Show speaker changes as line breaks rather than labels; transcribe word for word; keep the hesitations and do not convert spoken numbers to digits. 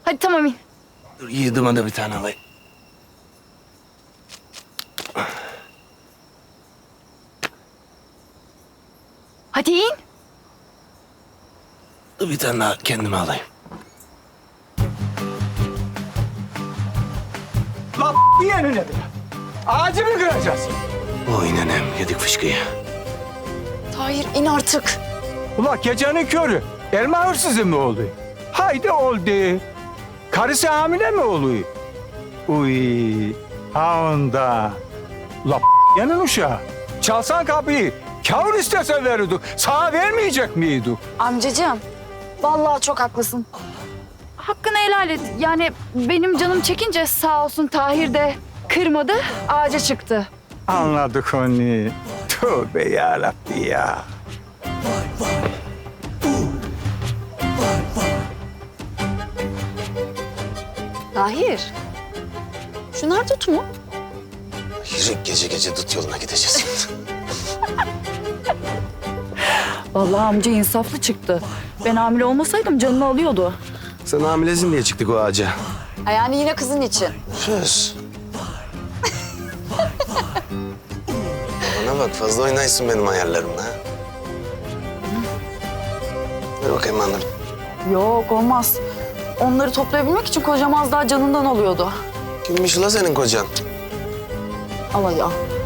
Hadi tamam in.
Dur yiğidime de bir tane alayım.
Hadi in.
Dur bir tane daha kendime alayım.
La yeni nedir? Ağacı mı kıracağız?
Oy nenem yedik fışkıyı.
Tahir in artık.
Ula gecenin körü. Elma hırsızı mı oluyor? Haydi oldu. Karısı hamile mi oluyor? Uy, ha onda. La yanın uşağı. Çalsan kapıyı. Kavur istese verirdik. Sana vermeyecek miydik?
Amcacığım, vallahi çok haklısın. Hakkını helal et. Yani benim canım çekince sağ olsun Tahir de kırmadı, ağaca çıktı.
Anladık onu. Tövbe yarabbi ya.
Tahir, şunlar tut mu?
Yürü gece gece dut yoluna gideceğiz.
Vallahi amca insaflı çıktı. Ben hamile olmasaydım canını alıyordu.
Sen hamilesin diye çıktık o ağaca.
Ha, yani yine kızın için.
Söz. Bana bak fazla oynaysın benim hayallerimle. ha. Ver bakayım annem.
Yok olmaz. Onları toplayabilmek için kocam az daha canından alıyordu.
Kimmiş ula senin kocan?
Al ya.